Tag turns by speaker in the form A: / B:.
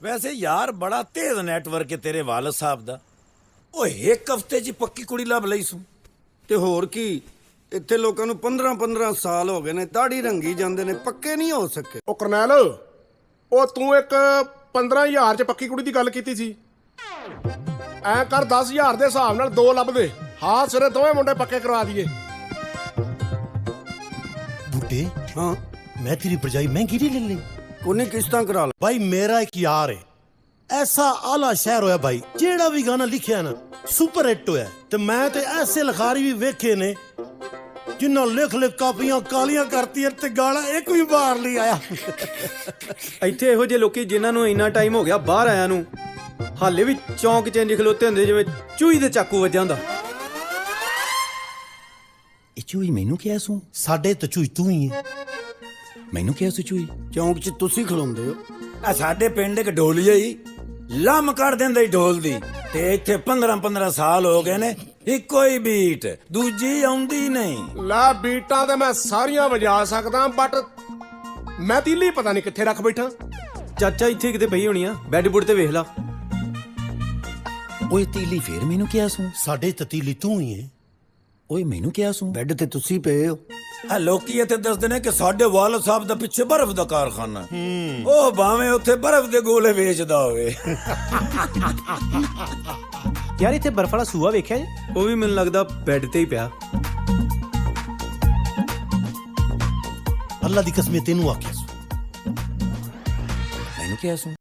A: ਵੈਸੇ ਯਾਰ ਬੜਾ ਤੇਜ਼ ਨੈਟਵਰਕ ਹੈ ਤੇਰੇ ਵਾਲਦ ਸਾਹਿਬ ਦਾ। ਓਏ ਇੱਕ ਹਫ਼ਤੇ 'ਚ ਪੱਕੀ ਕੁੜੀ ਲੱਭ ਲਈ ਸੂ।
B: ਤੇ ਹੋਰ ਕੀ, ਇੱਥੇ ਲੋਕਾਂ ਨੂੰ 15-15 ਸਾਲ ਹੋ ਗਏ ਨੇ, ਦਾੜੀ ਰੰਗੀ ਜਾਂਦੇ ਨੇ, ਪੱਕੇ ਨਹੀਂ ਹੋ ਸਕੇ।
C: ਉਹ ਕਰਨੈਲ, ਉਹ ਤੂੰ ਇੱਕ 15,000 ਚ ਪੱਕੀ ਕੁੜੀ ਦੀ ਗੱਲ ਕੀਤੀ ਸੀ। ਐ ਕਰ 10,000 ਦੇ ਹਿਸਾਬ ਨਾਲ 2 ਲੱਭ ਦੇ। ਹਾਂ ਸਿਰੇ ਦੋਵੇਂ ਮੁੰਡੇ ਪੱਕੇ ਕਰਵਾ ਦਈਏ।
D: बूटे
B: हाँ
D: मैं तेरी भरजाई महंगी नहीं ले ली
B: कोने किस्तां करा ला।
D: भाई मेरा एक यार है ऐसा आला शहर होया भाई, जेड़ा भी गाना लिखिया ना सुपर हिट होया। ते मैं ते ऐसे लखारी भी वेखे ने जिन्ना लिख लिख कापियां कालियां करती ते गाना एक भी बाहर नहीं आया।
E: ਇੱਥੇ ਇਹੋ ਜਿਹੇ ਲੋਕੀ ਜਿਨ੍ਹਾਂ ਨੂੰ ਇੰਨਾ ਟਾਈਮ ਹੋ ਗਿਆ ਬਾਹਰ ਆਇਆ ਨੂੰ, ਹਾਲੇ ਵੀ ਚੌਂਕ 'ਚ ਇੰਜ ਖਲੋਤੇ ਹੁੰਦੇ ਜਿਵੇਂ ਚੂਹੀ ਦੇ ਚਾਕੂ ਵੱਜਾ ਹੁੰਦਾ।
A: ਇਹ ਚੂਈ ਮੈਨੂੰ ਕਿਹਾ ਸੂ?
D: साडे तो चूई तू ही है।
A: ਮੈਨੂੰ ਕਿਹਾ ਸੂ ਚੂਈ?
B: ਚੌਂਕ 'ਚ ਤੁਸੀਂ ਖਲੋਂਦੇ ਹੋ।
A: ਆ ਸਾਡੇ ਪਿੰਡ ਇੱਕ ਢੋਲੀਆ ਹੀ ਲੰਮ ਕਰ ਦਿੰਦਾ ਈ ਢੋਲ ਦੀ। ਤੇ ਇੱਥੇ 15-15 ਸਾਲ ਹੋ ਗਏ ਨੇ, ਇੱਕੋ ਹੀ ਬੀਟ, ਦੂਜੀ ਆਉਂਦੀ ਨਹੀਂ।
C: ਲੈ ਬੀਟਾਂ ਤੇ ਮੈਂ ਸਾਰੀਆਂ ਵਜਾ ਸਕਦਾ, ਬਟ ਮੈਂ ਤੀਲੀ ਪਤਾ ਨਹੀਂ ਕਿੱਥੇ ਰੱਖ ਬੈਠਾ।
E: ਚਾਚਾ ਇੱਥੇ ਕਿਤੇ ਪਈ ਹੋਣੀ ਆ, ਬੈੱਡ ਬੁੱਡ ਤੇ ਵੇਖ ਲਾ।
A: ਓਏ ਤੀਲੀ ਫੇਰ ਮੈਨੂੰ ਕਿਹਾ ਸੂ?
D: साडे ततीली तू ही है।
A: ਓਏ ਮੈਨੂੰ ਕਿਹਾ ਸੂ?
B: ਬੈੱਡ ਤੇ ਤੁਸੀਂ ਪਏ ਹੋ।
A: ਆ ਲੋਕੀ ਇੱਥੇ ਦੱਸਦੇ ਨੇ ਕਿ ਸਾਡੇ ਵਾਲਦ ਸਾਹਿਬ ਦਾ ਪਿੱਛੇ ਬਰਫ਼ ਦਾ ਕਾਰਖਾਨਾ। ਉਹ ਭਾਵੇਂ ਉੱਥੇ ਬਰਫ਼ ਦੇ ਗੋਲੇ ਵੇਚਦਾ ਹੋਵੇ।
F: ਯਾਰ ਇੱਥੇ ਬਰਫ ਵਾਲਾ ਸੂਆ ਵੇਖਿਆ ਜੀ?
E: ਉਹ ਵੀ ਮੈਨੂੰ ਲੱਗਦਾ ਬੈੱਡ ਤੇ ਹੀ ਪਿਆ।
D: अल्लाह दी कसम तेनू आख्या सू।
A: ਮੈਨੂੰ ਕਿਹਾ ਸੂ?